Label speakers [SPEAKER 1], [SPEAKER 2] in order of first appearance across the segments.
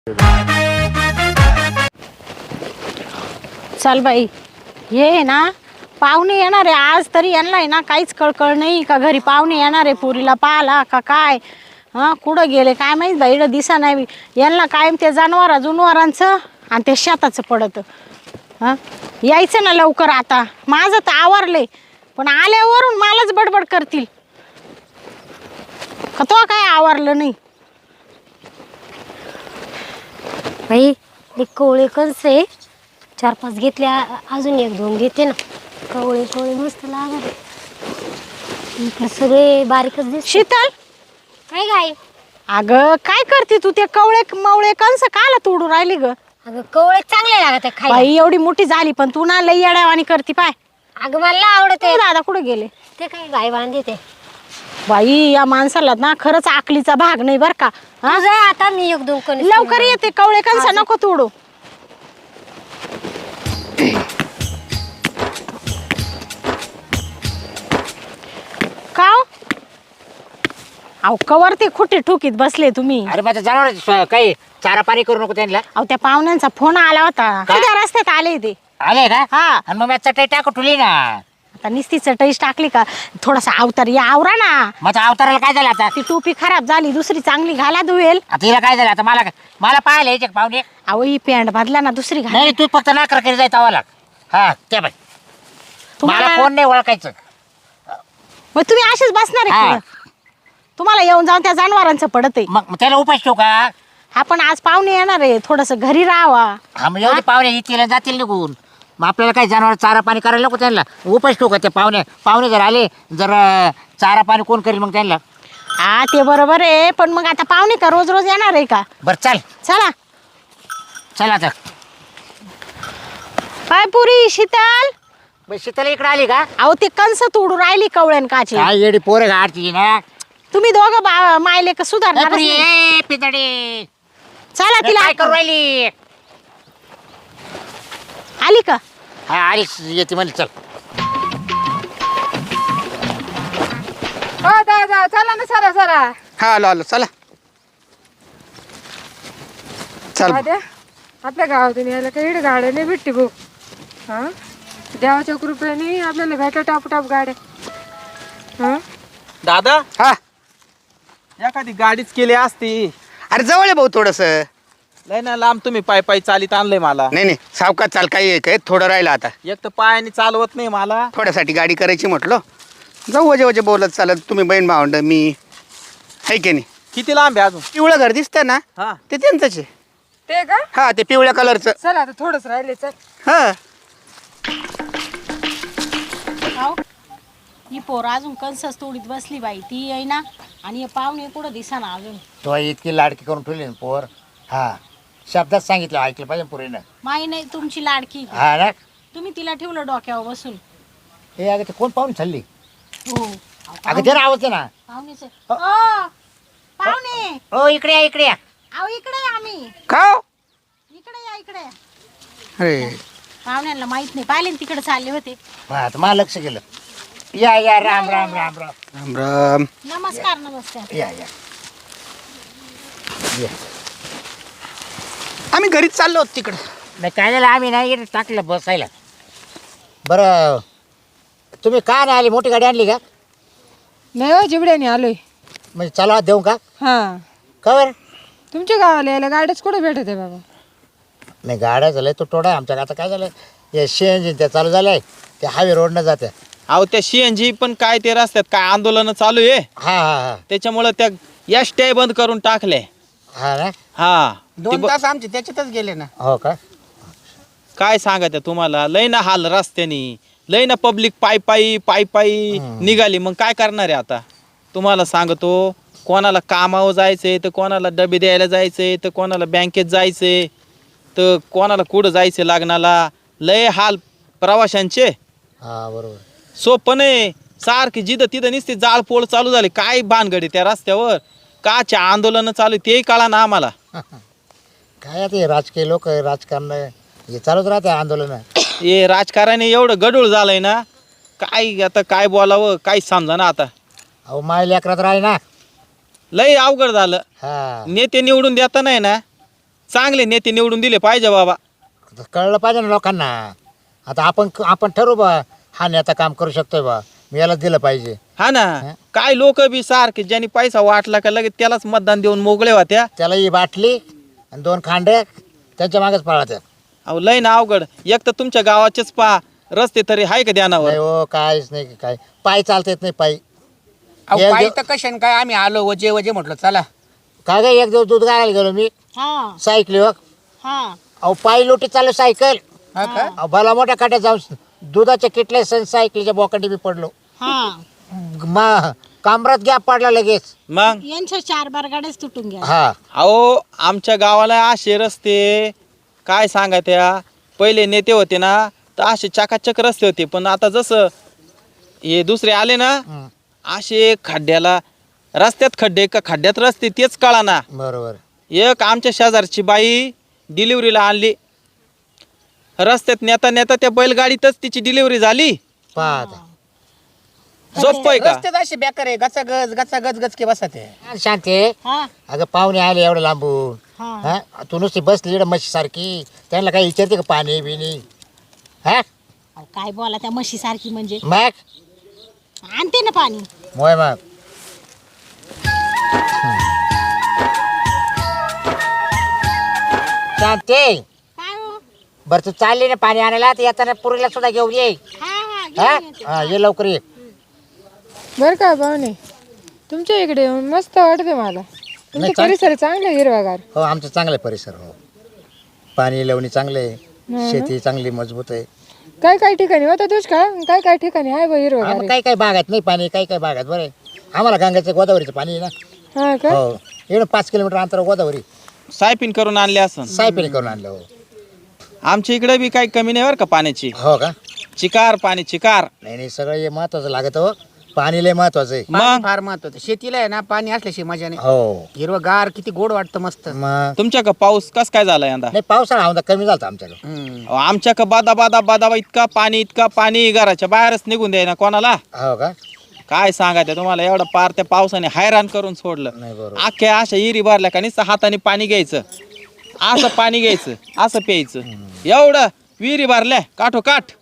[SPEAKER 1] चल बाई, हे ना पाहुणे येणार आहे आज, तरी यांना आहे ना काहीच कळकळ नाही का घरी पाहुणे येणार आहे पुरीला पाहला का काय. हां, कुठं गेले काय माहीत बाई, इकडं दिसा नाही. यांना कायम ते जनावरांचं आणि ते शेताचं पडतं. हां, यायचं ना लवकर. आता माझं तर आवरले, पण आल्यावरून मलाच बडबड करतील का तो काय आवरलं नाही.
[SPEAKER 2] बाई ते कवळे कंस आहे, 4-5 घेतल्या, अजून 1-2 घेते ना. कवळे कवळे मस्त लागत इकडे सगळे बारीकच दिसते.
[SPEAKER 1] शीतल,
[SPEAKER 2] काय काय
[SPEAKER 1] अगं काय करते तू? ते कवळे मवळे कंस काला तोडू राहिली ग?
[SPEAKER 2] अगं कवळे चांगले लागत आहे खायला.
[SPEAKER 1] बाई एवढी मोठी झाली पण तू ना लई येड्यावानी करती पाय.
[SPEAKER 2] अगं मला आवडत आहे.
[SPEAKER 1] दादा कुठे गेले?
[SPEAKER 2] ते काय गाय बांधते ते.
[SPEAKER 1] बाई या माणसाला ना खरंच आकलीचा भाग नाही बर का. हा?
[SPEAKER 2] तुझं आता मी 1-2 कणीस
[SPEAKER 1] लवकर येते, कवळे कंस नको तोडू. काव अहो कवर ते खुटे ठोकीत बसले तुम्ही.
[SPEAKER 3] अरे माझ्या जनावर काही चारा पाणी करू नको त्यांना.
[SPEAKER 1] अहो त्या पाहुण्यांचा फोन आला होता, त्या रस्त्यात आले ते.
[SPEAKER 3] आले का?
[SPEAKER 1] हा,
[SPEAKER 3] आणि मग मी चटई टाकू ठुली ना.
[SPEAKER 1] आता निस्ती चटईच टाकली का? थोडासा अवतार या आवरा ना.
[SPEAKER 3] माझ्या अवताराला काय झालं आता?
[SPEAKER 1] ती टोपी खराब झाली, दुसरी चांगली घाला धुवेल.
[SPEAKER 3] आता हिला काय झालं आता? मला पाहायला यायचे का पाहुणे?
[SPEAKER 1] अहो ही पॅन्ट बदला ना, दुसरी घाला.
[SPEAKER 3] नाही, तू फक्त नाकर करी जाय तवाला. हा ते बाई, मला कोण नाही ओळखायचं.
[SPEAKER 1] मग तुम्ही असेच बसणार आहे
[SPEAKER 3] हा.
[SPEAKER 1] पुढं? तुम्हाला येऊन जाऊन त्या जनावरांचं पडत आहे.
[SPEAKER 3] मग त्याला उपास ठेवू का?
[SPEAKER 1] आपण आज पाहुणे येणार आहे, थोडस घरी राहावा.
[SPEAKER 3] हा, मग एवढे पाहुणे येतील जातील निघून. मग आपल्याला काही जनावर चारा पाणी करायला नको त्यांना? उपास ठेवू का? ते पाहुणे जर आले, जर चारा पाणी कोण करेल मग त्यांना?
[SPEAKER 1] हा ते बरोबर आहे, पण मग आता पाहुणे का रोज रोज येणार आहे का?
[SPEAKER 3] बरं चल
[SPEAKER 1] चला
[SPEAKER 3] आता.
[SPEAKER 1] काय पुरी शीतल,
[SPEAKER 3] शीतल इकडे आली का?
[SPEAKER 1] अहो ते कंस तोडू राहिली कवळ्यान काची.
[SPEAKER 3] काय येडी पोरं गाडची ना.
[SPEAKER 1] तुम्ही दोघं मायले का सुधारणार?
[SPEAKER 3] पितडे
[SPEAKER 1] चला तिला
[SPEAKER 3] काय करू राहिली?
[SPEAKER 1] आली का?
[SPEAKER 3] हा आली, येते म्हणजे चल.
[SPEAKER 4] दादा चला ना, सरा
[SPEAKER 5] हा आलो चला. चल
[SPEAKER 4] दादा, आपल्या गावातून यायला काही गाड्या नाही भेटते भाऊ. हा, देवाच्या कृपेने आपल्याला भेटा टाप गाड्या. हा
[SPEAKER 6] दादा,
[SPEAKER 5] हा,
[SPEAKER 6] एखादी गाडीच केली असती.
[SPEAKER 5] अरे जवळ आहे भाऊ थोडस.
[SPEAKER 6] लय ना लांब, तुम्ही पायी चालीत आणलंय मला.
[SPEAKER 5] नाही सावकाश चाल, काही काय थोडं राहिलं आता.
[SPEAKER 6] एक तर पायाने चालवत नाही मला.
[SPEAKER 5] थोड्यासाठी गाडी करायची म्हटलं, जाऊ वजे बोलत चालत. तुम्ही बहीण भावंड, मी आहे की नाही.
[SPEAKER 6] किती लांब आहे अजून?
[SPEAKER 5] पिवळं घर दिसतं ना,
[SPEAKER 6] हा,
[SPEAKER 5] ते त्यांचंच आहे.
[SPEAKER 4] ते का?
[SPEAKER 5] हा, ते पिवळ्या कलरचं.
[SPEAKER 4] चल आता थोडंच राहिले. चल
[SPEAKER 5] हा,
[SPEAKER 1] ही पोर अजून कंसच तोडीत बसली बाई. ती आहे ना, आणि हे पाहुणे कुठं दिसा ना अजून.
[SPEAKER 3] तो इतकी लाडकी करून ठेवली ना पोर. हा, शब्दात सांगितलं, ऐकलं पाहिजे पुरीनं.
[SPEAKER 1] माई नाही तुमची लाडकी.
[SPEAKER 3] हा ना.
[SPEAKER 1] तुम्ही तिला ठेवलं डोक्यावर बसून.
[SPEAKER 3] हे अगं ते कोण पाहून चालली?
[SPEAKER 1] हो,
[SPEAKER 3] अगं ते आवाज ना.
[SPEAKER 1] पाहुणेच आहे. ओ, पाहुणे,
[SPEAKER 3] हो इकडे या.
[SPEAKER 1] अहो इकडे या, आम्ही
[SPEAKER 5] का हो?
[SPEAKER 1] इकडे या, इकडे या.
[SPEAKER 5] अरे
[SPEAKER 1] पाहुण्यांना माहित नाही, पाहिले ना तिकडे चालले होते.
[SPEAKER 3] हा, आता मला लक्ष गेलं. या राम.
[SPEAKER 5] राम राम.
[SPEAKER 1] नमस्कार.
[SPEAKER 3] या.
[SPEAKER 5] आम्ही घरीच चाललो होतो तिकडं.
[SPEAKER 3] नाही काय झालं, आम्ही नाही इकडे टाकलं बसायला. बरं, तुम्ही का नाही आली? मोठी गाडी आणली का?
[SPEAKER 4] नाही हो, जिबड्याने आलोय.
[SPEAKER 3] म्हणजे चला देऊ का?
[SPEAKER 4] हा,
[SPEAKER 3] कवर
[SPEAKER 4] तुमच्या गावाला यायला गाड्याच कुठे भेटत आहे बाबा?
[SPEAKER 3] नाही, गाड्या झाल्या तो टोडा आमच्या. आता काय झालं, हे CNG त्या चालू झालंय, ते हायवे रोडनं जाते.
[SPEAKER 6] अहो त्या CNG पण काय ते रस्त्यात काय आंदोलन चालू आहे.
[SPEAKER 3] हा.
[SPEAKER 6] त्याच्यामुळं त्या एसट्या बंद करून टाकले.
[SPEAKER 3] हा ना.
[SPEAKER 6] हा,
[SPEAKER 5] 2 तास आमचे त्याच्यातच गेले ना.
[SPEAKER 3] हो का?
[SPEAKER 6] काय सांगायचं तुम्हाला, लय ना हाल रस्त्यानी, लय ना पब्लिक पायी निघाली. मग काय करणार आहे आता? तुम्हाला सांगतो, कोणाला कामावर जायचंय, तर कोणाला डबे द्यायला जायचंय, तर कोणाला बँकेत जायचंय, तर कोणाला कुठं जायचं लग्नाला. लय हाल प्रवाशांचे.
[SPEAKER 3] हा बरोबर.
[SPEAKER 6] सोपं नाही. सारखी जिथं तिथं नुसते जाळपोळ चालू झाले. काय भानगडी त्या रस्त्यावर, काच्या आंदोलन चालू, तेही कळा ना आम्हाला.
[SPEAKER 3] काय आता हे राजकीय लोक, राजकारण हे चालूच राहते आंदोलन.
[SPEAKER 6] हे राजकारणी एवढं गडूळ झालंय ना, काय आता काय बोलावं काहीच समजा ना आता.
[SPEAKER 3] अहो माय लेकरात राही ना.
[SPEAKER 6] लय अवघड झालं.
[SPEAKER 3] हा
[SPEAKER 6] नेते निवडून देता नाही ना, चांगले नेते निवडून दिले पाहिजे बाबा.
[SPEAKER 3] आता कळलं पाहिजे ना लोकांना. आता आपण ठरवू बा, हा नेता काम करू शकतोय बा, मी यालाच दिलं पाहिजे.
[SPEAKER 6] हा ना. काय लोक बी सारखे ज्यांनी पैसा वाटला का लगेच त्यालाच मतदान देऊन मोकळे होत्या.
[SPEAKER 3] त्याला ही बाटली आणि 2 खांडे त्यांच्या मागच पळात्या.
[SPEAKER 6] अहो लय ना अवघड. एक तर तुमच्या गावाचेच पा रस्ते तरी आहे का ध्यानावर.
[SPEAKER 3] नाही हो, काहीच नाही काय. पायी चालता येत नाही पायी.
[SPEAKER 5] अहो पायी तर कशाने काय, आम्ही आलो वजे वजे म्हटलं चला.
[SPEAKER 3] काय काय, एक दिवस दूध घालायला गेलो मी
[SPEAKER 1] हा
[SPEAKER 3] सायकलीवर.
[SPEAKER 1] हा
[SPEAKER 3] अहो पायी लोटी चालू सायकल.
[SPEAKER 5] हा का?
[SPEAKER 3] अहो भला मोठ्या काट्यात जाऊन दुधाच्या किटल्या सण सायकलीच्या बोकांडी मी पडलो.
[SPEAKER 1] हा
[SPEAKER 3] कामरात गॅप पडला लगेच.
[SPEAKER 6] मग
[SPEAKER 1] यांच्या 4 बारगाड्याच तुटून गेल्या.
[SPEAKER 3] हा
[SPEAKER 6] अहो आमच्या गावाला असे रस्ते काय सांगा त्या पहिले नेते होते ना तर असे चकाचक रस्ते होते. पण आता जसं हे दुसरे आले ना असे खड्ड्याला रस्त्यात खड्डे का खड्ड्यात रस्ते तेच कळाना.
[SPEAKER 3] बरोबर.
[SPEAKER 6] एक आमच्या शेजारची बाई डिलिव्हरीला आणली, रस्त्यात नेता नेता त्या बैलगाडीतच तिची डिलिव्हरी झाली.
[SPEAKER 3] पाहता
[SPEAKER 6] सोपं का?
[SPEAKER 5] रस्त्यात असे बेकार आहे, गचा गच गचके बसत आहे.
[SPEAKER 3] शांती.
[SPEAKER 1] हा
[SPEAKER 3] अगं पाहुणे आले एवढं लांबून.
[SPEAKER 1] हा
[SPEAKER 3] हा तू नुसती बसली इकडं म्हशी सारखी, त्यांना काही विचारते का पाणी बिनी? हा
[SPEAKER 1] अहो, काय बोला त्या म्हशी सारखी म्हणजे
[SPEAKER 3] मग
[SPEAKER 1] आणते ना पाणी.
[SPEAKER 3] मोय मग शांती.
[SPEAKER 1] काय हो?
[SPEAKER 3] बरं तू चालली ना पाणी आणायला, तर येताना पुरीला सुद्धा घेऊन ये.
[SPEAKER 1] हा हा
[SPEAKER 3] हा
[SPEAKER 1] घेऊन येते.
[SPEAKER 3] हा, ये लवकर ये.
[SPEAKER 4] बरं का पाहुणे, तुमच्या इकडे येऊन मस्त वाटते मला. तुमचा परिसर चांगला आहे, हिरवागार.
[SPEAKER 3] हो आमचं चांगलं आहे परिसर. हो पाणी लावणी चांगलं आहे, शेती चांगली मजबूत आहे.
[SPEAKER 4] काय काय ठिकाणी होता दुष्काळ, काय काय ठिकाणी आहे बा हिरवागार आहे.
[SPEAKER 3] काही काही भागात नाही पाणी, काही काही भागात बरं आहे. आम्हाला गंगाचं गोदावरीचं पाणी आहे ना.
[SPEAKER 4] हा का?
[SPEAKER 3] हो एवढं 5 किलोमीटर अंतर गोदावरी
[SPEAKER 6] सायपिन करून आणले असं.
[SPEAKER 3] सायपीने करून आणलं. हो
[SPEAKER 6] आमच्या इकडे बी काही कमी नाही बरं का पाण्याची.
[SPEAKER 3] हो का?
[SPEAKER 6] चिकार पाणी चिकार.
[SPEAKER 3] नाही नाही सगळं हे महत्वाचं लागत. हो पाणी लय महत्वाचं आहे.
[SPEAKER 5] पाणी
[SPEAKER 6] मग
[SPEAKER 5] फार महत्वाचं. शेतीला आहे ना पाणी असल्याशिवाय मजा नाही.
[SPEAKER 3] हो
[SPEAKER 5] हिरवगार किती गोड वाटतं मस्त.
[SPEAKER 3] मग
[SPEAKER 6] तुमच्या का पाऊस कस काय झाला यंदा?
[SPEAKER 3] नाही पावसाळा आमचा कमी झाला आमच्याकडे.
[SPEAKER 5] हम्म.
[SPEAKER 6] आमच्या का बादा बादा बादाबा इतका पाणी घराच्या बाहेरच निघून द्याय ना कोणाला.
[SPEAKER 3] हो का?
[SPEAKER 6] काय सांगायचं तुम्हाला, एवढं पार त्या पावसाने हैराण करून सोडलं.
[SPEAKER 3] नाही बरोबर.
[SPEAKER 6] अख्ख्या अशा इरी भरल्या का नुसतं हाताने पाणी घ्यायचं, असं पाणी घ्यायचं, असं प्यायचं. एवढं विहिरी भरल्या काठोकाठ.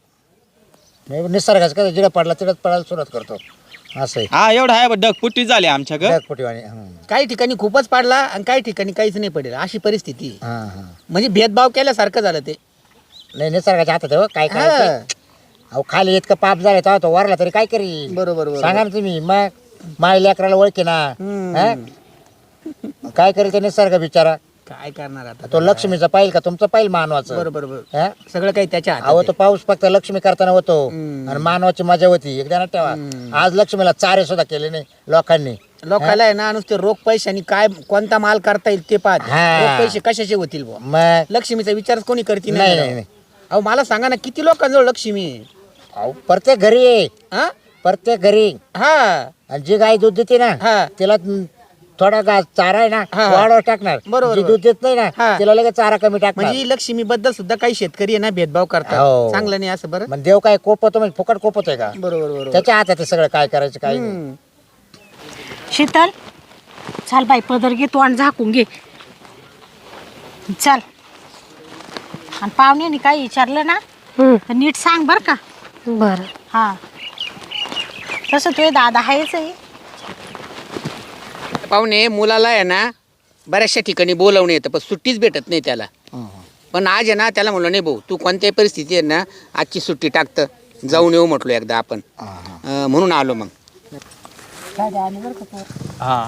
[SPEAKER 3] नाही निसर्गाचं कसं जिडं पडला तिडत पडायला सुरुवात करतो असं आहे.
[SPEAKER 6] हा एवढं आहे ढगपुट्टी झाली आमच्या घर.
[SPEAKER 3] ढगफुटीवाणी.
[SPEAKER 5] काही ठिकाणी खूपच पडला आणि काही ठिकाणी काहीच नाही पडेल, अशी परिस्थिती आहे.
[SPEAKER 3] हां हां.
[SPEAKER 5] म्हणजे भेदभाव केल्यासारखं झालं ते.
[SPEAKER 3] नाही निसर्गाच्या हातात आहे. हो काय
[SPEAKER 5] हा.
[SPEAKER 3] काय अहो खाली इतकं पाप झालं तेव्हा तो वरला तरी काय करी.
[SPEAKER 5] बरोबर बरोबर.
[SPEAKER 3] सांगा ना तुम्ही. मग माय लेकराला ओळखी ना. हा? काय करेल ते निसर्ग बिचारा.
[SPEAKER 5] काय करणार आता.
[SPEAKER 3] तो लक्ष्मीचा पाहिल का तुमचं पाहिल मानवाचं.
[SPEAKER 5] बरोबर बरोबर.
[SPEAKER 3] हा?
[SPEAKER 5] सगळं काही त्याच्या हातात
[SPEAKER 3] अहो
[SPEAKER 5] आहे.
[SPEAKER 3] तो पाऊस फक्त लक्ष्मी करताना होतो आणि मानवाची मजा होती. एकदा ना ठेवा. आज लक्ष्मीला चारे सुद्धा केले नाही लोकांनी.
[SPEAKER 5] लोकांना आहे ना नुसते रोख पैशानी काय कोणता माल करता येईल ते पाहत.
[SPEAKER 3] हा.
[SPEAKER 5] रोख पैसे कशाचे होतील बुवा.
[SPEAKER 3] मग
[SPEAKER 5] लक्ष्मीचा विचार कोणी करते
[SPEAKER 3] नाही नाही नाही.
[SPEAKER 5] अहो मला सांगा ना किती लोकांजवळ लक्ष्मी आहे.
[SPEAKER 3] अहो प्रत्येक घरी आहे.
[SPEAKER 5] हा
[SPEAKER 3] प्रत्येक घरी.
[SPEAKER 5] हा
[SPEAKER 3] आणि जी गाय दूध देते ना
[SPEAKER 5] हा.
[SPEAKER 3] तिला थोडा चारा आहे ना
[SPEAKER 5] हा.
[SPEAKER 3] वाढवर टाकणार.
[SPEAKER 5] बरोबर,
[SPEAKER 3] जी दूध देत नाही ना
[SPEAKER 5] हा.
[SPEAKER 3] तिला लगेच चारा कमी टाकणार.
[SPEAKER 5] म्हणजे लक्ष्मी बद्दल सुद्धा काही शेतकरी आहे ना भेदभाव करतात.
[SPEAKER 3] हो.
[SPEAKER 5] चांगलं नाही असं बरं.
[SPEAKER 3] मग देव काय कोपवतो म्हणजे फुकट कोपवतोय का?
[SPEAKER 5] बरोबर बरोबर.
[SPEAKER 3] त्याच्या हातात आहे सगळं काय करायचं काय नाही.
[SPEAKER 5] हम्म.
[SPEAKER 1] शीतल चाल बाई पदर घे तू आणि झाकून घे. चल. आणि पाहुण्याने काही विचारलं ना तर नीट सांग बर का.
[SPEAKER 2] बरं.
[SPEAKER 1] हा तसं तुझे दादा आहेच आहे.
[SPEAKER 5] पाहुणे मुलाला आहे ना बऱ्याचशा ठिकाणी बोलवणे येतं पण सुट्टीच भेटत नाही त्याला. पण आज आहे ना त्याला म्हणलं नाही भाऊ तू कोणत्याही परिस्थिती आहे ना आजची सुट्टी टाकतं जाऊन येऊ म्हटलो एकदा आपण. म्हणून आलो मग.
[SPEAKER 6] हा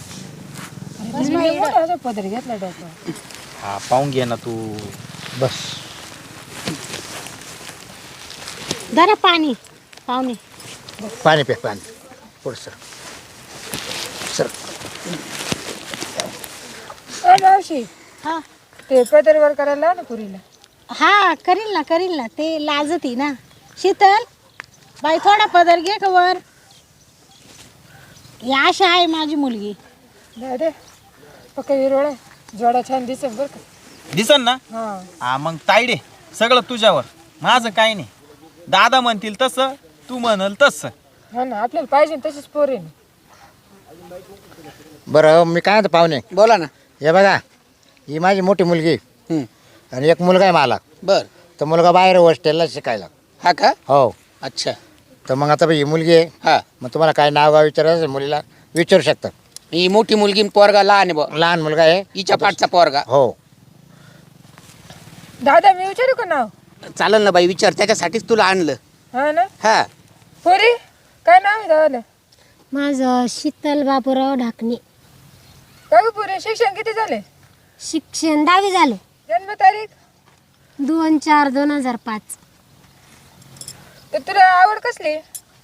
[SPEAKER 4] पदर घेतला डोकं.
[SPEAKER 6] हा पाहून घे ना तू.
[SPEAKER 3] बस
[SPEAKER 1] जरा पाणी पाहुणे.
[SPEAKER 3] पाणी पे पाणी पुढं सर सर.
[SPEAKER 4] मावशी
[SPEAKER 1] हा
[SPEAKER 4] ते पदर वर करायला ना पुरीला.
[SPEAKER 1] हा करील ना ते लाजती ना. शीतल बाई थोडा पदर घे का वर. ही आशा आहे माझी मुलगी.
[SPEAKER 4] दादा पक्का हिरवळ जोडा छान दिसत बरं का.
[SPEAKER 6] दिसन ना.
[SPEAKER 4] हा
[SPEAKER 6] हा मग तायडे सगळं तुझ्यावर, माझं काही नाही. दादा म्हणतील तसं, तू म्हणाल तसं.
[SPEAKER 4] हा ना आपल्याला पाहिजे तशीच पोर आहे.
[SPEAKER 3] बरं मी काय म्हणतो पाहुणे
[SPEAKER 5] बोला ना.
[SPEAKER 3] हे बघा ही माझी मोठी मुलगी
[SPEAKER 5] हं.
[SPEAKER 3] आणि एक मुलगा आहे मला.
[SPEAKER 5] बर
[SPEAKER 3] तर मुलगा बाहेर हॉस्टेलला शिकायला.
[SPEAKER 5] हा का
[SPEAKER 3] हो.
[SPEAKER 5] अच्छा
[SPEAKER 3] तर मग आता ही मुलगी आहे.
[SPEAKER 5] हा
[SPEAKER 3] मग तुम्हाला काय नाव गाव विचारायचं असेल मुलीला विचारू शकता.
[SPEAKER 5] ही मोठी मुलगी न पोरगा लहान आहे बुवा.
[SPEAKER 3] लहान मुलगा आहे.
[SPEAKER 5] हिच्या पाठचा पोरगा.
[SPEAKER 3] हो.
[SPEAKER 4] दादा मी विचारू का नाव?
[SPEAKER 5] चालेल ना बाई विचार, त्याच्यासाठीच तुला आणलं.
[SPEAKER 4] हा ना.
[SPEAKER 5] हा
[SPEAKER 4] पोरी काय नाव आहे दादाला?
[SPEAKER 2] माझं शीतल बापूराव ढाकणे.
[SPEAKER 4] का ग पोरी शिक्षण किती झाले?
[SPEAKER 2] शिक्षण 10वी झालं.
[SPEAKER 4] जन्मतारीख?
[SPEAKER 2] 2/4/2005.
[SPEAKER 4] तर तुला आवड कसली?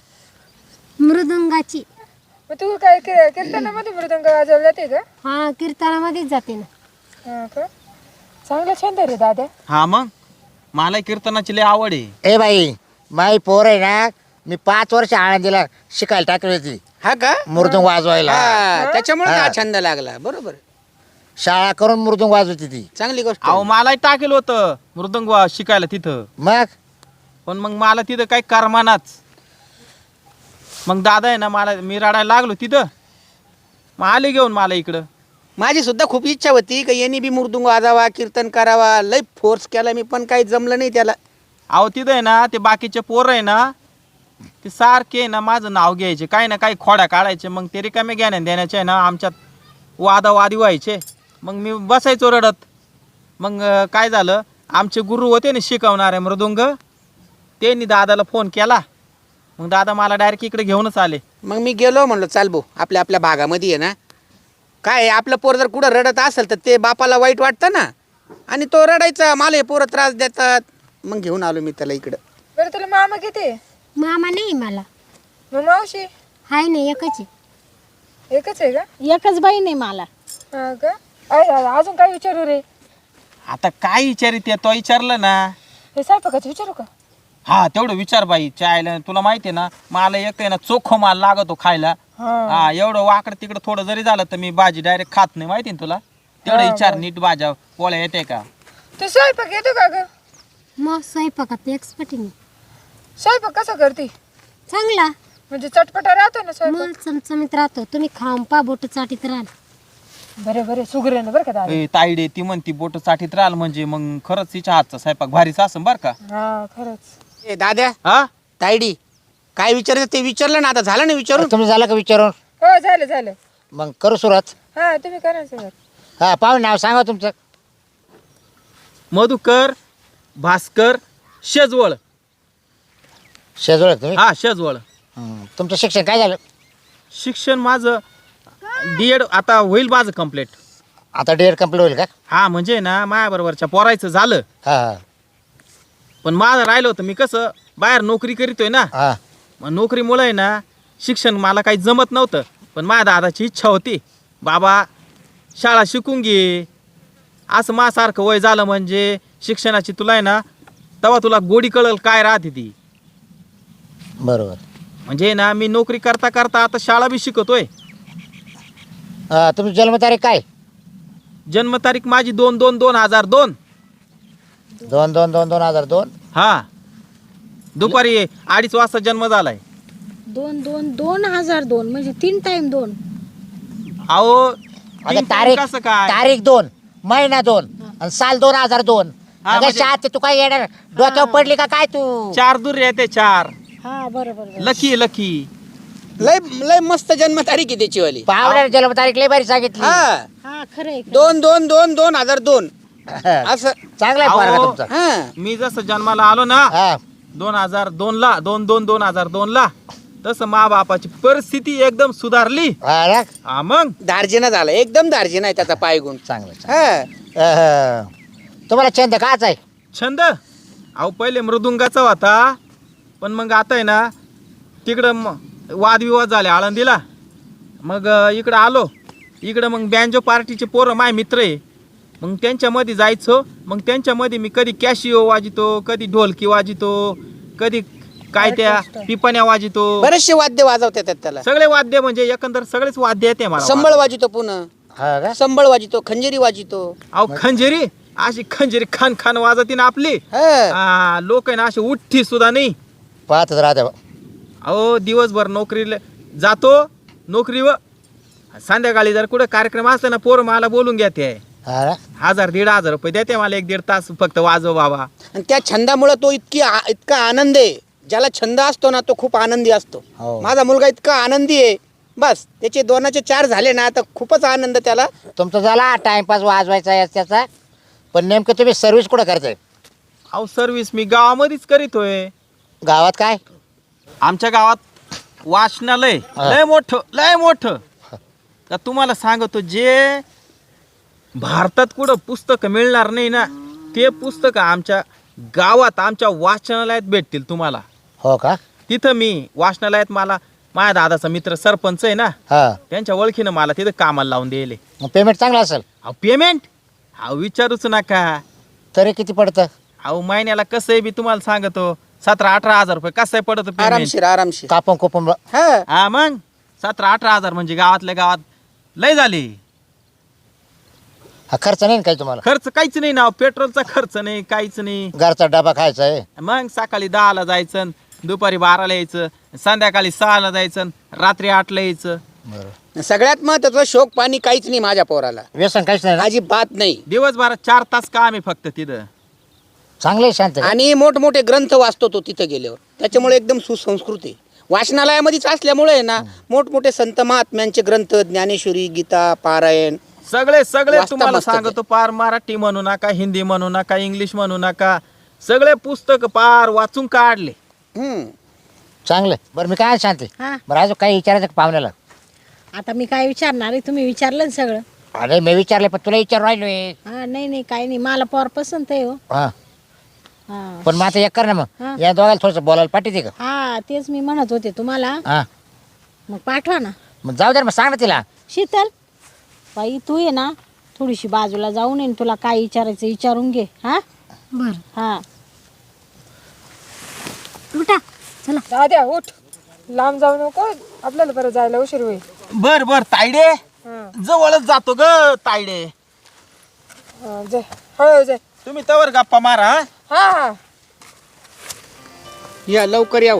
[SPEAKER 2] मृदुंगाची.
[SPEAKER 4] मग तू काय कीर्तनामध्ये मृदंग वाजवला जाते का?
[SPEAKER 2] हा कीर्तनामध्येच जाते ना.
[SPEAKER 4] हा का? चांगला छंद रे दादा.
[SPEAKER 6] हा मग मला कीर्तनाची लय आवड आहे.
[SPEAKER 3] ए बाई माई पोर आहे ना, मी 5 वर्ष आळंदीला शिकायला टाकली होती
[SPEAKER 5] हा का
[SPEAKER 3] मृदुंग वाजवायला.
[SPEAKER 5] हा त्याच्यामुळे
[SPEAKER 3] हा.
[SPEAKER 5] हा छंद लागला. बरोबर
[SPEAKER 3] शाळा करून मृदुंग वाजवती ती.
[SPEAKER 5] चांगली गोष्ट
[SPEAKER 6] अहो
[SPEAKER 5] आहे.
[SPEAKER 6] मलाही टाकेल होतं मृदंग शिकायला तिथं,
[SPEAKER 3] मग
[SPEAKER 6] पण मग मला तिथं काही करमानाच. मग दादा आहे ना, मला मी रडायला लागलो तिथं, मग आले घेऊन मला इकडं.
[SPEAKER 5] माझी सुद्धा खूप इच्छा होती की यांनी बी मृदुंग वाजावा कीर्तन करावा. लय फोर्स केला मी पण काही जमलं नाही त्याला.
[SPEAKER 6] अहो तिथं आहे ना ते बाकीचे पोरं आहे ना, ते सारखे आहे ना माझं नाव घ्यायचे, काही ना काही खोड्या काढायचे. मग ते रिकामे ज्ञान देण्याचे आहे ना आमच्यात वादावादी व्हायचे. मग मी बसायचो रडत. मग काय झालं, आमचे गुरु होते ना शिकवणारे मृदुंग, त्यांनी दादाला फोन केला. मग दादा मला डायरेक्ट इकडे घेऊनच आले.
[SPEAKER 5] मग मी गेलो म्हणलो चाल भाऊ आपल्या आपल्या भागामध्ये आहे ना, काय आहे, आपलं पोर जर कुठं रडत असेल तर ते बापाला वाईट वाटतं ना, आणि तो रडायचा, मला हे पोरं त्रास देतात. मग घेऊन आलो मी त्याला इकडं.
[SPEAKER 4] बरं तुला मामा किती आहे?
[SPEAKER 2] मामा नाही मला.
[SPEAKER 4] मग मावशी?
[SPEAKER 2] हाय ना एकच आहे.
[SPEAKER 4] एकच आहे का?
[SPEAKER 1] एकच बहीण आहे मला.
[SPEAKER 4] हा का? अजून काय विचारू रे?
[SPEAKER 6] आता काय विचारित तो विचारलं ना.
[SPEAKER 4] हे स्वयंपाकाचं विचारू का?
[SPEAKER 6] हा तेवढं विचार बाई. चायला तुला माहिती आहे ना, मला एक आहे ना चोखो माल लागतो खायला. हा एवढं वाकडं तिकडं थोडं जरी झालं तर मी भाजी डायरेक्ट खात नाही, माहिती ना तुला. तेवढं विचार, नीट भाज्या पोळ्या येते का?
[SPEAKER 4] तू स्वयंपाक येतो का ग?
[SPEAKER 2] मग स्वयंपाकात एक्सपर्ट आहे मी.
[SPEAKER 4] स्वयंपाक कसा करते?
[SPEAKER 2] चांगला.
[SPEAKER 4] म्हणजे चटपटा राहतो ना स्वयंपाक?
[SPEAKER 2] मग चमचमीत राहतो. तुम्ही खाऊन पा बोट चाटीत राहाल.
[SPEAKER 4] बरे सुगरण बरं का दादा.
[SPEAKER 6] ए, ताईडे ती म्हणती बोट चाटीत राहिल म्हणजे मग खरंच तिच्या हातचा स्वयंपाक भारीचा असं बरं का.
[SPEAKER 4] हा खरंच.
[SPEAKER 5] ए दाद्या
[SPEAKER 6] हा
[SPEAKER 5] तायडी काय विचारायचं ते विचारलं ना, आता झालं ना विचारून.
[SPEAKER 3] तुम्ही झालं का विचारून?
[SPEAKER 4] हो झालं.
[SPEAKER 3] मग करू सुरुवात.
[SPEAKER 4] हा तुम्ही करा सगळं.
[SPEAKER 3] हा पाहून नाव सांगा तुमचं.
[SPEAKER 6] मधुकर भास्कर शेजवळ.
[SPEAKER 3] शेजवळ तुम्ही?
[SPEAKER 6] हा शेजवळ.
[SPEAKER 3] तुमचं शिक्षण काय झालं?
[SPEAKER 6] शिक्षण माझं D.Ed आता होईल माझं कम्प्लीट.
[SPEAKER 3] आता D.Ed कंप्लीट होईल का?
[SPEAKER 6] हा म्हणजे ना माझ्याबरोबरच्या पोरायचं झालं,
[SPEAKER 3] हा हा
[SPEAKER 6] पण माझं राहिलं होतं. मी कसं बाहेर नोकरी करीतोय ना,
[SPEAKER 3] हा.
[SPEAKER 6] मग नोकरीमुळे ना शिक्षण मला काही जमत नव्हतं. पण माझ्या दादाची इच्छा होती, बाबा शाळा शिकून घे. असं माझ्यासारखं वय झालं म्हणजे शिक्षणाची तुला आहे ना, तेव्हा तुला गोडी कळल काय राहते ती.
[SPEAKER 3] बरोबर.
[SPEAKER 6] म्हणजे ना मी नोकरी करता करता आता शाळा बी शिकतोय.
[SPEAKER 3] तुमची जन्मतारीख काय?
[SPEAKER 6] जन्मतारीख माझी 2/2/2002.
[SPEAKER 3] 2/2/2002.
[SPEAKER 6] हा दुपारी 2:30 वाजता जन्म झालाय.
[SPEAKER 1] 2002 म्हणजे 3 टाइम 2.
[SPEAKER 6] अहो
[SPEAKER 3] अगं
[SPEAKER 6] तीन
[SPEAKER 3] तारीख
[SPEAKER 6] कसं काय?
[SPEAKER 3] तारीख 2 महिना 2 आणि साल 2002.
[SPEAKER 6] हा,
[SPEAKER 3] अगं
[SPEAKER 6] म्हणजे-
[SPEAKER 3] शाळेत तू काय येणार डोक्यावर पडली का काय तू?
[SPEAKER 6] 4 दूर येते 4.
[SPEAKER 1] हा बरोबर.
[SPEAKER 6] Lucky lucky.
[SPEAKER 5] लय लय मस्त जन्मतारीख आहे त्याची वाली.
[SPEAKER 3] पाहुण्याने जन्मतारीख लय भारी सांगितली.
[SPEAKER 5] हा
[SPEAKER 1] हा खरंय.
[SPEAKER 5] 2/2/2002 असं.
[SPEAKER 3] चांगला आहे पोरगा
[SPEAKER 6] अहो.
[SPEAKER 3] तुमचा.
[SPEAKER 5] हा
[SPEAKER 6] मी जसं जन्माला आलो ना
[SPEAKER 3] हा
[SPEAKER 6] 2002 ला 2/2/2002 ला, तसं मा बापाची परिस्थिती एकदम सुधारली.
[SPEAKER 3] हा ना?
[SPEAKER 6] हा मग
[SPEAKER 5] दार्जिना झाला, एकदम दार्जिना आहे त्याचा पायगुण.
[SPEAKER 3] चांगलं
[SPEAKER 5] हा
[SPEAKER 3] तुम्हाला छंद काच आहे?
[SPEAKER 6] छंद अहो पहिले मृदुंगाचा होता, पण मग आता आहे ना तिकडं वादविवाद झाले आळंदीला. मग इकडं आलो. इकडं मग बँजो पार्टीचे पोरं माय मित्र आहे, मग त्यांच्यामध्ये जायचो. मग त्यांच्यामध्ये मी कधी कॅशिओ वाजितो, कधी ढोलकी वाजितो, कधी काय त्या पिपाण्या वाजितो.
[SPEAKER 5] बरेचसे वाद्य वाजवतात त्याला.
[SPEAKER 6] सगळे वाद्य म्हणजे एकंदर सगळेच वाद्य येते मला.
[SPEAKER 5] संबळ वाजितो, पुन्हा
[SPEAKER 3] हा का?
[SPEAKER 5] संबळ वाजितो, खंजिरी वाजितो.
[SPEAKER 6] अहो खंजेरी अशी खंजेरी खान खान वाजती ना आपली.
[SPEAKER 5] हा
[SPEAKER 6] लोक आहे ना असे उठ्ठी सुद्धा नाही.
[SPEAKER 3] पाहतच राहते बा.
[SPEAKER 6] अहो दिवसभर नोकरीला जातो, नोकरीवर संध्याकाळी जर कुठं कार्यक्रम असला ना पोरं मला बोलून घ्या ते
[SPEAKER 3] हा ना?
[SPEAKER 6] 1000-1500 रुपये देते मला 1-1.5 तास फक्त वाजव बाबा.
[SPEAKER 5] आणि त्या छंदामुळे तो इतका आनंद आहे. ज्याला छंद असतो ना तो खूप आनंदी असतो.
[SPEAKER 3] हो.
[SPEAKER 5] माझा मुलगा इतका आनंदी आहे, बस त्याचे 2चे 4 झाले ना तर खूपच आनंद त्याला.
[SPEAKER 3] तुमचं झाला टाइमपास वाजवायचा आहे त्याचा, पण नेमकं तुम्ही सर्व्हिस कुठं करताय?
[SPEAKER 6] अहो सर्व्हिस मी गावामध्येच करीतोय.
[SPEAKER 3] गावात काय?
[SPEAKER 6] आमच्या गावात वाचनालय लय मोठं का तुम्हाला सांगतो, जे भारतात कुठं पुस्तकं मिळणार नाही ना ते पुस्तकं आमच्या गावात आमच्या वाचनालयात भेटतील तुम्हाला.
[SPEAKER 3] हो का?
[SPEAKER 6] तिथं मी वाचनालयात मला माझ्या दादाचा मित्र सरपंच आहे ना,
[SPEAKER 3] हा.
[SPEAKER 6] त्यांच्या ओळखीनं मला तिथं कामाला लावून दिले.
[SPEAKER 3] मग पेमेंट चांगलं असेल?
[SPEAKER 6] अहो पेमेंट अहो विचारूच नका.
[SPEAKER 3] तरी किती पडतं?
[SPEAKER 6] अहो महिन्याला कसं आहे बी तुम्हाला सांगतो 17-18 हजार रुपये कसं आहे पडत पेमेंट.
[SPEAKER 5] आरामशीर.
[SPEAKER 3] कापून कुपून
[SPEAKER 5] हा.
[SPEAKER 6] हा मग 17-18 हजार म्हणजे गावातल्या गावात लय झाली.
[SPEAKER 3] हा खर्च नाही ना काही तुम्हाला?
[SPEAKER 6] खर्च काहीच नाही ना, पेट्रोलचा खर्च नाही, काहीच नाही.
[SPEAKER 3] घरचा डबा खायचा आहे?
[SPEAKER 6] मग सकाळी 10ला जायचं, दुपारी 12ला यायचं, संध्याकाळी 6ला जायचं, रात्री 8ला यायचं.
[SPEAKER 3] बरोबर.
[SPEAKER 5] सगळ्यात महत्वाचं शोक पाणी काहीच नाही माझ्या पोराला,
[SPEAKER 3] व्यसन काहीच नाही ना?
[SPEAKER 5] अजिबात नाही.
[SPEAKER 6] दिवसभरात 4 तास काम आहे फक्त तिथं.
[SPEAKER 3] चांगलं आहे, शांत आहे.
[SPEAKER 5] आणि मोठमोठे ग्रंथ वाचतो तो तिथं गेल्यावर, त्याच्यामुळे एकदम सुसंस्कृत आहे. वाचनालयामध्येच असल्यामुळे ना मोठमोठे संत महात्म्यांचे ग्रंथ, ज्ञानेश्वरी, गीता, पारायण
[SPEAKER 6] सगळे
[SPEAKER 5] वाचता
[SPEAKER 6] तुम्हाला
[SPEAKER 5] मस्त ते.
[SPEAKER 6] सांगतो, पार मराठी म्हणू नका, हिंदी म्हणू नका, इंग्लिश म्हणू नका, सगळे पुस्तक पार वाचून काढले.
[SPEAKER 5] हम्म.
[SPEAKER 3] चांगलं आहे. बरं मी काय शांत आहे.
[SPEAKER 1] हा.
[SPEAKER 3] बरं अजून काही विचारायचं का पाहुण्याला?
[SPEAKER 1] आता मी काय विचारणार आहे, तुम्ही विचारलं ना सगळं.
[SPEAKER 3] अरे मी विचारले पण तुला विचार राहिलोय.
[SPEAKER 1] हा नाही काही नाही, मला पोर पसंत आहे हो.
[SPEAKER 3] हा.
[SPEAKER 1] हा
[SPEAKER 3] पण मग आता एक कर ना,
[SPEAKER 1] हा.
[SPEAKER 3] मग या दोघांना थोडंसं बोलायला पाठवते का?
[SPEAKER 1] हा तेच मी म्हणत होते तुम्हाला.
[SPEAKER 3] हा.
[SPEAKER 1] मग पाठवा ना.
[SPEAKER 3] मग जाऊ दे ना, मग सांग ना तिला.
[SPEAKER 1] शीतल बाई तू ये ना थोडीशी बाजूला जाऊन ये, तुला काय विचारायचं विचारून घे. हा
[SPEAKER 2] बर
[SPEAKER 1] हा
[SPEAKER 2] उठा चला.
[SPEAKER 4] दाद्या उठ, लांब जाऊ नको, आपल्याला परत जायला उशीर होईल.
[SPEAKER 6] बर तायडे,
[SPEAKER 4] हा.
[SPEAKER 6] जवळच जातो ग तायडे.
[SPEAKER 4] जाय हळू जाय.
[SPEAKER 6] तुम्ही तवर गप्पा मारा.
[SPEAKER 4] हा हा
[SPEAKER 5] या लवकर याव.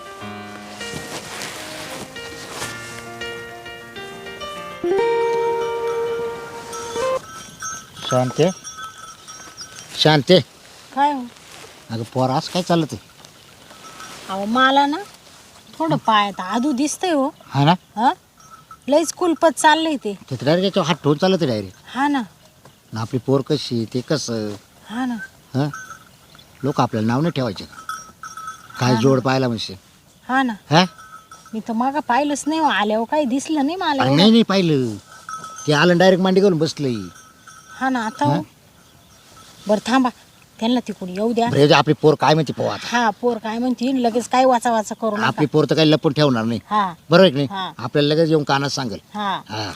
[SPEAKER 3] शांते शांते.
[SPEAKER 1] काय हो?
[SPEAKER 3] अगं पोर असं काय चाललं ते?
[SPEAKER 1] अहो मला ना थोडं पायात आदू दिसतंय हो.
[SPEAKER 3] हा ना?
[SPEAKER 1] हा लईच कुलपत चाललंय ते.
[SPEAKER 3] ते डायरेक्ट याच्यावर हात ठेवून चाललं ते डायरेक्ट.
[SPEAKER 1] हा ना
[SPEAKER 3] ना आपली पोर कशी ते कसं?
[SPEAKER 1] हा ना
[SPEAKER 3] हां लोक आपल्याला नाव नाही ठेवायचे काय जोड पाहायला म्हणजे?
[SPEAKER 1] हा ना.
[SPEAKER 3] हा.
[SPEAKER 1] मी तर मागं पाहिलंच नाही हो, आल्यावर काही दिसलं नाही मला
[SPEAKER 3] अरे
[SPEAKER 1] एवढं.
[SPEAKER 3] नाही पाहिलं ते आलं डायरेक्ट मांडी घालून बसलंय.
[SPEAKER 1] हा ना आता हो. बरं थांबा, त्यांना तिकडून येऊ द्या.
[SPEAKER 3] बरं, आपली पोर काय म्हणते पोहा आता?
[SPEAKER 1] हा पोर काय म्हणते लगेच काय वाचा वाचा करू नका.
[SPEAKER 3] आपली पोर तर काही लपून ठेवणार नाही.
[SPEAKER 1] हा
[SPEAKER 3] बरोबर आहे की
[SPEAKER 1] हा.
[SPEAKER 3] नाही? आपल्याला लगेच येऊन कानात सांगेल.
[SPEAKER 1] हा
[SPEAKER 3] हा.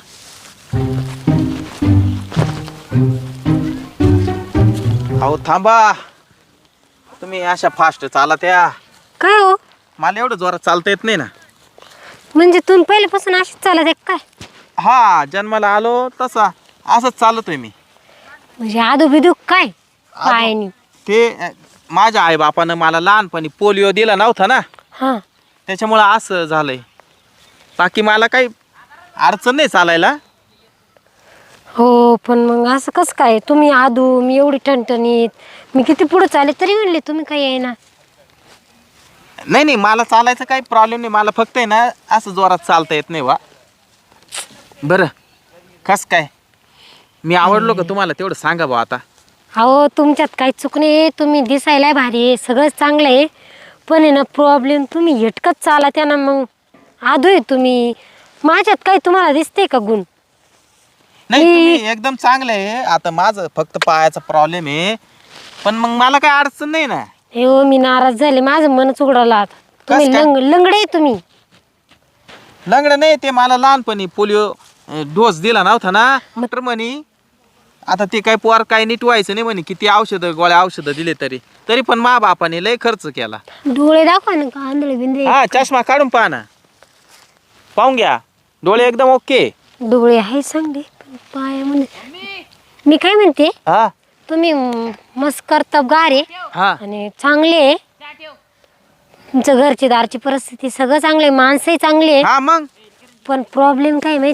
[SPEAKER 6] अहो थांबा, तुम्ही अशा फास्ट चाला त्या.
[SPEAKER 2] काय हो,
[SPEAKER 6] मला एवढं जोरात चालता येत नाही ना.
[SPEAKER 2] म्हणजे तुम्ही पहिल्यापासून अशीच चालत आहे काय?
[SPEAKER 6] हा जन्माला आलो तसा असंच चालतोय मी.
[SPEAKER 2] म्हणजे आदू बिदू काय पायानी?
[SPEAKER 6] ते माझ्या आई बापानं मला लहानपणी पोलिओ दिला नव्हता ना,
[SPEAKER 2] हा
[SPEAKER 6] त्याच्यामुळं असं झालंय. बाकी मला काही अडचण नाही चालायला.
[SPEAKER 2] हो, पण मग असं कसं काय? तुम्ही आदू, मी एवढी टणटणीत, मी किती पुढे चाले तरी म्हणले तुम्ही काही आहे ना.
[SPEAKER 6] नाही मला चालायचं काही प्रॉब्लेम नाही, मला फक्त आहे ना असं जोरात चालता येत नाही वा. बरं कस काय मी आवडलो का तुम्हाला तेवढं सांगा बा आता.
[SPEAKER 2] अहो तुमच्यात काही चूक नाही, तुम्ही दिसायला भारी आहे, सगळंच चांगलं आहे, पण आहे ना प्रॉब्लेम तुम्ही हेटकत चाला त्यानं. मग आदू आहे तुम्ही, माझ्यात काही तुम्हाला दिसते का गुण?
[SPEAKER 6] नाही तुम्ही एकदम चांगलं आहे. आता माझं फक्त पायाचा प्रॉब्लेम आहे, पण मग मला काही अडचण नाही ना.
[SPEAKER 2] हे हो, मी नाराज झाले, माझं मनच उघडलं आता. तुम्ही
[SPEAKER 6] काय?
[SPEAKER 2] लंगडे आहे तुम्ही.
[SPEAKER 6] लंगडं नाही, ते मला लहानपणी पोलिओ डोस दिला नव्हता ना, तर म्हणे आता ते काय पोर काय नीट व्हायचं नाही म्हणे, किती गोळ्या औषधं दिले तरी पण मा बापाने लय खर्च केला.
[SPEAKER 2] डोळे दाखवा ना, का आंधळे बिंद्रे?
[SPEAKER 6] हा चष्मा काढून पहा ना, पाहून घ्या, डोळे एकदम ओके.
[SPEAKER 2] डोळे आहे चांगले, पण पाय म्हणजे मी काय म्हणते,
[SPEAKER 6] हा
[SPEAKER 2] तुम्ही मस्त कर्तबगार आहे
[SPEAKER 6] हा
[SPEAKER 2] आणि चांगले आहे. तुमचं घरची दारची परिस्थिती सगळं चांगले, माणसंही चांगले आहे.
[SPEAKER 6] हा मग
[SPEAKER 2] पण प्रॉब्लेम काय माहिती का,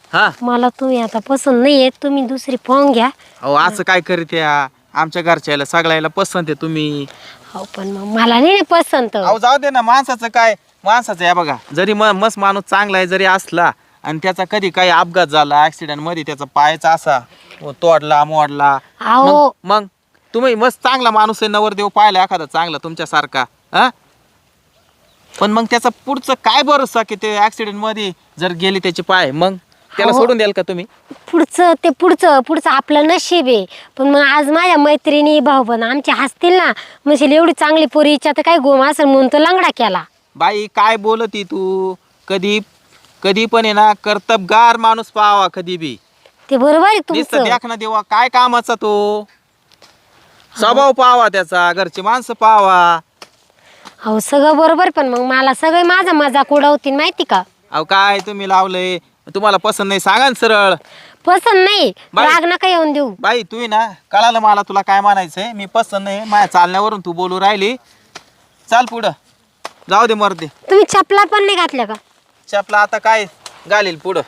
[SPEAKER 6] हा
[SPEAKER 2] मला तुम्ही आता पसंत नाही आहे, तुम्ही दुसरी पाहून घ्या.
[SPEAKER 6] अहो असं काय करीत या आमच्या घरच्याला सगळ्याला पसंत आहे तुम्ही.
[SPEAKER 2] हो पण मग मला नाही ना पसंत.
[SPEAKER 6] अहो जाऊ दे ना, माणसाचं काय, माणसाचं या बघा, जरी मस्त माणूस चांगला आहे जरी असला आणि त्याचा कधी काही अपघात झाला ऍक्सिडेंट मध्ये, त्याचा पायाचा असा तोडला मोडला,
[SPEAKER 2] अहो
[SPEAKER 6] मग तुम्ही मस्त चांगला माणूस आहे, नवरदेव पाहिला एखादा चांगला तुमच्यासारखा, हा, पण मग त्याचा पुढचं काय भरोसा की ते ऍक्सिडेंट मध्ये जर गेली त्याचे पाय, मग त्याला
[SPEAKER 2] अहो.
[SPEAKER 6] सोडून द्याल का तुम्ही?
[SPEAKER 2] पुढचं आपलं नशीब आहे. पण मग आज माझ्या मैत्रिणी भाऊ पण आमचे हसतील ना, म्हणजे एवढी चांगली पोरी इच्छा तर काय गोम असेल म्हणून तो लंगडा केला.
[SPEAKER 6] बाई काय बोलती तू, कधी पण आहे ना कर्तबगार माणूस पाहावा कधी बी.
[SPEAKER 2] ते बरोबर आहे
[SPEAKER 6] नुसतं
[SPEAKER 2] तुमचं.
[SPEAKER 6] देख ना देवा काय कामाचा तो, स्वभाव पाहावा त्याचा, घरची माणसं पाहावा.
[SPEAKER 2] हो सगळं बरोबर, पण मग मला सगळे माझा मजाक उडवतील माहिती का.
[SPEAKER 6] अहो काय तुम्ही लावलंय, तुम्हाला पसंत नाही सांगा ना सरळ.
[SPEAKER 2] पसंत नाही,
[SPEAKER 6] बाई.
[SPEAKER 2] राग नका येऊन देऊ.
[SPEAKER 6] बाई तू ना कळालं मला तुला काय म्हणायचंय, मी पसंत नाही, माझ्या चालण्यावरून तू बोलू राहिली. चाल पुढं, जाऊ दे मरदे.
[SPEAKER 2] तुम्ही चपला पण नाही घातल्या का?
[SPEAKER 6] चपला आता काय घालील पुढं.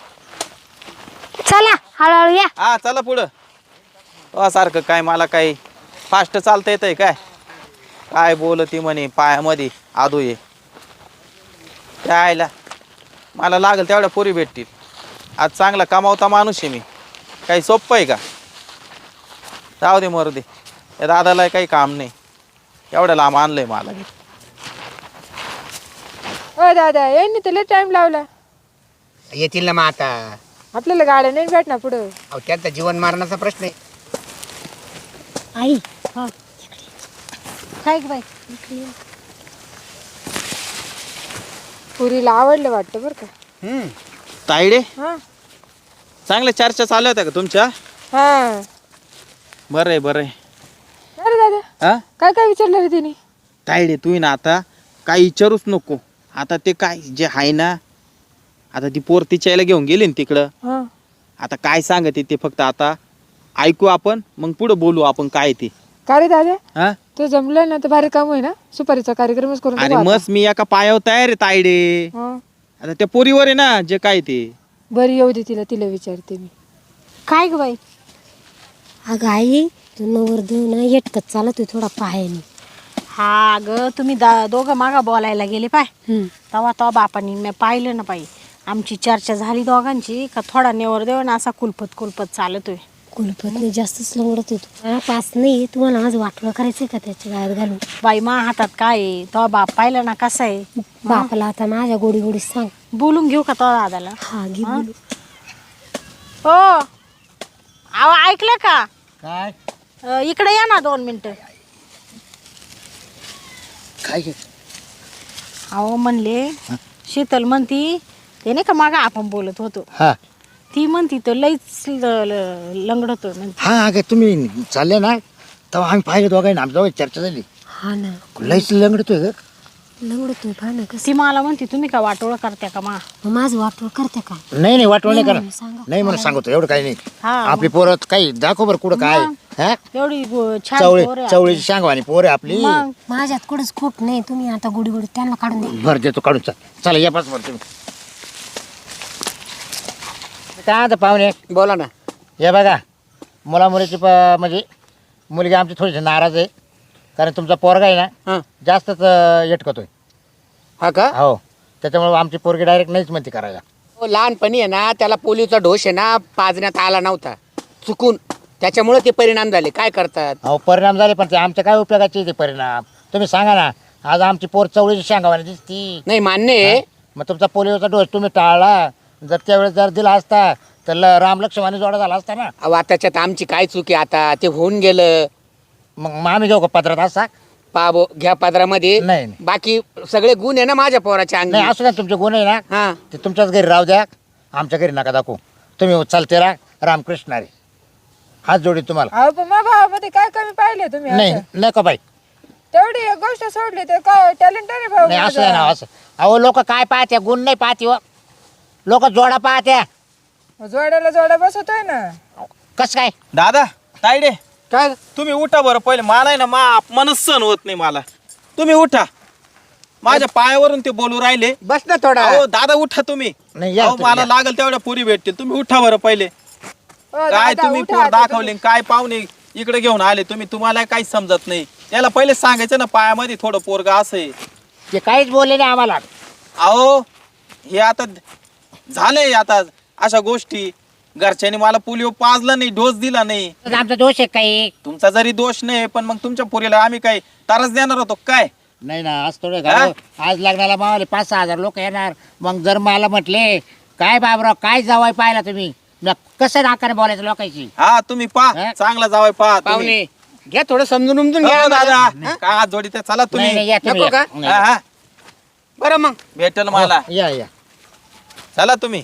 [SPEAKER 2] चला हळूहळू या.
[SPEAKER 6] हा चला पुढं. सारखं काय मला काही फास्ट चालता येतंय काय बोलती म्हणे पायामध्ये आदू ये त्यायला. मला लागेल तेवढ्या पोरी भेटतील. आज चांगला कमावता माणूस आहे मी, काही सोपं आहे का? जाऊ दे मरू दे, या दादाला काही काम नाही, एवढं लांब आणलंय मला.
[SPEAKER 4] ओ दादा यांनी तर टाइम लावला,
[SPEAKER 3] येतील ना मग आता.
[SPEAKER 4] आपल्याला गाड्या नाही भेटणार पुढं.
[SPEAKER 3] अहो त्यांचा जीवन मारण्याचा प्रश्न आहे.
[SPEAKER 2] आई
[SPEAKER 1] काय ग बाई?
[SPEAKER 4] पुरीला आवडलं वाटतं बरं का.
[SPEAKER 6] तायडे
[SPEAKER 4] हा
[SPEAKER 6] चांगल्या चर्चा चालू होत्या का तुमच्या?
[SPEAKER 4] हा.
[SPEAKER 6] बरं आहे.
[SPEAKER 4] अरे दादा
[SPEAKER 6] हा
[SPEAKER 4] काय काय विचारलं रे तिने?
[SPEAKER 6] तायडे तू ना आता काही विचारूच नको. आता ते काय जे आहे ना, आता ती पोर तिच्याला घेऊन गेली ना तिकडं.
[SPEAKER 4] हा
[SPEAKER 6] आता काय सांगते ते फक्त आता ऐकू आपण, मग पुढे बोलू आपण काय ते.
[SPEAKER 4] का रे दादा
[SPEAKER 6] हा
[SPEAKER 4] तो जमलं ना तर भारी काम होई ना, सुपारीचा कार्यक्रमच करून
[SPEAKER 6] अरे
[SPEAKER 4] टाकू आता.
[SPEAKER 6] मस्त मी एका पायावर तयार आहे तायडे.
[SPEAKER 4] हा.
[SPEAKER 6] आता त्या पोरीवर आहे ना जे काय ते.
[SPEAKER 4] बरी येऊ दे तिला विचारते मी.
[SPEAKER 1] काय ग बाई?
[SPEAKER 2] अगं आई तू नवरदेव ना येटकत चालत थोडा पायाने.
[SPEAKER 1] हा ग तुम्ही दोघं मागा बोलायला गेले पाय, तेव्हा बापानी मी पाहिलं ना पाई. आमची चर्चा झाली दोघांची का थोडा नेवर देव ना असा कुलपत चालतोय.
[SPEAKER 2] कुलपतने जास्तच लंगडत होतो. पास नाही तुम्हाला आज वाटलं करायचंय का त्याच्या गायत घालून?
[SPEAKER 1] बाई मा हातात काय आहे, तो बाप पाहिलं ना कसा आहे.
[SPEAKER 2] बापाला आता माझ्या गोडी सांग.
[SPEAKER 1] बोलून घेऊ का तो दादाला?
[SPEAKER 2] हा घे बोलू.
[SPEAKER 1] हो अहो ऐकलं का?
[SPEAKER 3] काय
[SPEAKER 1] इकडे या ना 2 मिनिटं.
[SPEAKER 3] काय
[SPEAKER 1] अहो म्हणले शीतल म्हणती ते नाही का मागा आपण बोलत होतो,
[SPEAKER 3] हा
[SPEAKER 1] ती म्हणती तो लईच लंगडतोय म्हणते.
[SPEAKER 3] हा अगं तुम्ही चालले ना तेव्हा आम्ही पाहिलं दोघांना, आमच्या दोघांची चर्चा झाली.
[SPEAKER 2] हा ना
[SPEAKER 3] लईच लंगडतोय ग.
[SPEAKER 2] लंगडतोय पहा ना कसं.
[SPEAKER 1] ती मला म्हणती तुम्ही का वाटोळ करत्या का मा?
[SPEAKER 2] मग माझं वाटोळ करते का?
[SPEAKER 3] नाही वाटवण नाही करा.
[SPEAKER 2] म्हणून सांगा.
[SPEAKER 3] नाही म्हणून सांगतो, एवढं काही नाही.
[SPEAKER 1] हा
[SPEAKER 3] आपली पोरं काही दाखव बरं कुठं काय. हा
[SPEAKER 1] एवढी छान पोर आहे.
[SPEAKER 3] चवळीची सांगवानी पोर आहे आपली.
[SPEAKER 1] मग
[SPEAKER 2] माझ्यात कुठंच खोट नाही. तुम्ही आता गोडी त्यांना काढून द्या.
[SPEAKER 3] भर देतो काढून. चला या पास भर तुम्ही. काय आता पाहुणे
[SPEAKER 5] बोला ना.
[SPEAKER 3] हे बघा मुलामुलीची म्हणजे मुलगी आमची थोडीशी नाराज आहे, कारण तुमचा पोरगा आहे ना
[SPEAKER 5] हा
[SPEAKER 3] जास्तच येटकतोय.
[SPEAKER 5] हा का?
[SPEAKER 3] हो त्याच्यामुळे आमची पोरगी डायरेक्ट नाहीच म्हणते करायला.
[SPEAKER 5] हो, लहानपणी आहे ना त्याला पोलिओचा डोस आहे ना पाजण्यात आला नव्हता चुकून, त्याच्यामुळे ते परिणाम झाले. काय करतात?
[SPEAKER 3] अहो परिणाम झाले, पण ते आमच्या काय उपयोगाचे ते परिणाम तुम्ही सांगा ना. आज आमची पोर चवळीची सांगावानी दिसती.
[SPEAKER 5] नाही मान्य आहे.
[SPEAKER 3] मग तुमचा पोलिओचा डोस तुम्ही टाळला, जर त्यावेळेस जर दिला असता तर राम लक्ष्मणी जोडा झाला असता ना.
[SPEAKER 5] अहो त्याच्यात आमची काय चूक आहे आता, ते होऊन गेलं.
[SPEAKER 3] मग आम्ही घेऊ का पत्रात असा?
[SPEAKER 5] पाबो घ्या पदरामध्ये.
[SPEAKER 3] नाही.
[SPEAKER 5] बाकी सगळे गुण आहे ना माझ्या पोराच्या अंगी.
[SPEAKER 3] नाही असू द्या, तुमचे गुण आहे ना
[SPEAKER 5] हा
[SPEAKER 3] ते तुमच्याच घरी राहू द्या, आमच्या घरी नका दाखवू. तुम्ही चालते राहा रामकृष्ण रे. हात जोडी तुम्हाला.
[SPEAKER 4] अहो पण माझ्या भावामध्ये काय कमी पाहिले तुम्ही?
[SPEAKER 3] नाही
[SPEAKER 4] असं?
[SPEAKER 3] नका बाई.
[SPEAKER 4] तेवढी एक गोष्ट सोडली तर काय टॅलेंट आहे भाऊ
[SPEAKER 3] नाही असं
[SPEAKER 4] माझा.
[SPEAKER 3] ना असं. अहो लोक काय पाहते, गुण नाही पाहते हो. लोक जोडा पाहत्या.
[SPEAKER 4] जोड्याला जोडा बसवतोय ना.
[SPEAKER 3] कस काय?
[SPEAKER 6] दादा तायडे
[SPEAKER 5] काय
[SPEAKER 6] तुम्ही उठा बरं पहिले. मला आहे ना मनच सहन होत नाही मला. तुम्ही उठा. माझ्या पायावरून ते बोलू राहिले.
[SPEAKER 5] बस ना थोडा.
[SPEAKER 6] अहो दादा उठा तुम्ही.
[SPEAKER 3] नाही, या
[SPEAKER 6] अहो,
[SPEAKER 3] तुम्ही,
[SPEAKER 6] मला
[SPEAKER 3] या.
[SPEAKER 6] लागल तेवढ्या पुरी भेटतील. तुम्ही उठा बरं पहिले. काय
[SPEAKER 4] दादा,
[SPEAKER 6] तुम्ही
[SPEAKER 4] उठा
[SPEAKER 6] पोर
[SPEAKER 4] आता
[SPEAKER 6] दाखवले काय पाहुणे इकडे घेऊन आले तुम्ही. तुम्हाला काहीच समजत नाही. याला पहिले सांगायचं ना पायामध्ये थोडं पोरगा असं आहे.
[SPEAKER 3] ते काहीच बोलले नाही आम्हाला.
[SPEAKER 6] अहो हे आता झालंय आता अशा गोष्टी. घरच्यांनी मला पोलिओ पाजला नाही, डोस दिला नाही.
[SPEAKER 3] आमचा दोष आहे काही
[SPEAKER 6] तुमचा जरी दोष नाही पण मग तुमच्या पोरीला आम्ही काय त्रास देणार होतो काय.
[SPEAKER 3] नाही ना. आज थोडे आज लग्नाला मावले 5-6 हजार लोक येणार. मग जर मला म्हटले काय बाबराव काय जावाय पाहिला तुम्ही, मग कसं नाकाने बोलायचं लोकांची.
[SPEAKER 6] हा तुम्ही पा
[SPEAKER 3] हा?
[SPEAKER 6] चांगला जावाय पा
[SPEAKER 5] पाहुणे घ्या थोडं समजून उमजून घ्या
[SPEAKER 6] दादा
[SPEAKER 5] आम्हाला.
[SPEAKER 6] काय हात जोडी चला
[SPEAKER 3] नाही,
[SPEAKER 6] तुम्ही.
[SPEAKER 3] नाही, या तुम्ही,
[SPEAKER 5] नको
[SPEAKER 3] या.
[SPEAKER 5] का?
[SPEAKER 3] नाही.
[SPEAKER 6] हा, हा.
[SPEAKER 5] बरं मग
[SPEAKER 6] भेटेल मला.
[SPEAKER 3] या या
[SPEAKER 6] चला तुम्ही.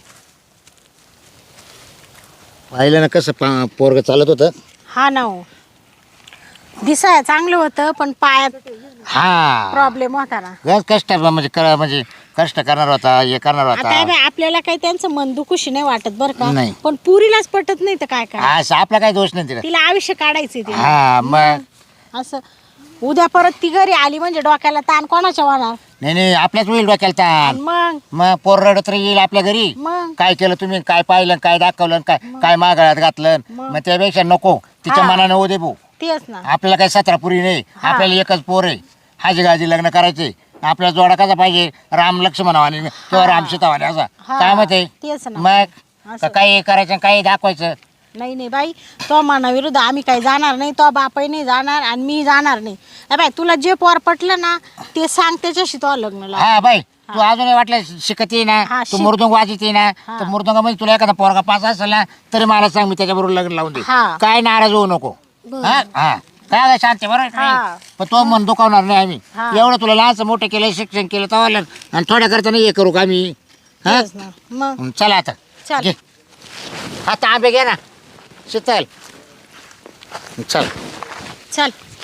[SPEAKER 3] पाहिलं ना कसं पोरग चालत होतं.
[SPEAKER 1] हा ना हो. दिसाय चांगलं होतं पण पायात
[SPEAKER 3] हा
[SPEAKER 1] प्रॉब्लेम होता ना.
[SPEAKER 3] गज कष्ट म्हणजे कष्ट करणार होता, हे करणार
[SPEAKER 1] आता हे
[SPEAKER 3] होता.
[SPEAKER 1] बाई, आपल्याला काही त्यांचं मन दुखुशी नाही वाटत बरं का.
[SPEAKER 3] नाही.
[SPEAKER 1] पण पुरीलाच पटत नाही तर काय काय.
[SPEAKER 3] असं आपला काही दोष नाही तिला.
[SPEAKER 1] तिला आयुष्य काढायचे तिला.
[SPEAKER 3] हा मग
[SPEAKER 1] असं उद्या परत ती घरी आली म्हणजे डोक्याला ताण कोणाच्या होणार.
[SPEAKER 3] नाही आपल्याच होईल डोक्याला
[SPEAKER 1] आणि
[SPEAKER 3] ताण.
[SPEAKER 1] मग
[SPEAKER 3] मग पोर रडत येईल आपल्या घरी.
[SPEAKER 1] मग
[SPEAKER 3] काय केलं तुम्ही, काय पाहिलं, काय दाखवलं, काय मागाळ्यात घातलं. मग त्यापेक्षा नको तिच्या
[SPEAKER 1] हा.
[SPEAKER 3] मनाने होऊ दे भाऊ.
[SPEAKER 1] तेच ना.
[SPEAKER 3] आपल्याला काही 17 पुरी नाही. आपल्याला एकच पोर आहे. हाजी गाजी लग्न करायचे. आपला जोडा कसा पाहिजे, राम लक्ष्मणावाने किंवा राम सीतावाने असा.
[SPEAKER 1] हा.
[SPEAKER 3] काय मत आहे
[SPEAKER 1] तेच ना.
[SPEAKER 3] मग
[SPEAKER 1] असं.
[SPEAKER 3] काही करायचं काही दाखवायचं.
[SPEAKER 1] नाही नाही बाई, तो मनाविरुद्ध आम्ही काही जाणार नाही. तो बापही नाही जाणार आणि मी जाणार नाही. ए बाई, तुला जे पोर पटलं ना ते सांग, त्याच्याशी तो लग्न लाव.
[SPEAKER 3] हा बाई तू अजून वाटलं शिकत ये ना,
[SPEAKER 1] हा,
[SPEAKER 3] तू
[SPEAKER 1] शिक.
[SPEAKER 3] मृदुंग वाजत ये ना, तर मृदुंगामध्ये तुला एखादा पोरगा पास असेल ना तरी मला सांग, मी त्याच्याबरोबर लग्न लावून दे.
[SPEAKER 1] हा.
[SPEAKER 3] काय नाराज होऊ नको. हा हा काय गं शांती बरोबर
[SPEAKER 1] हा.
[SPEAKER 3] नाही. पण तो मन दुखावणार नाही आम्ही.
[SPEAKER 1] हा.
[SPEAKER 3] एवढं तुला लहानचं मोठं केलं, शिक्षण केलं तर आणि थोड्या करता नाही हे करू का आम्ही. हा
[SPEAKER 1] तेच ना. मग
[SPEAKER 3] चला आता
[SPEAKER 1] चल.
[SPEAKER 3] घे. आता आंबे घे ना शीतल. चल
[SPEAKER 1] चल.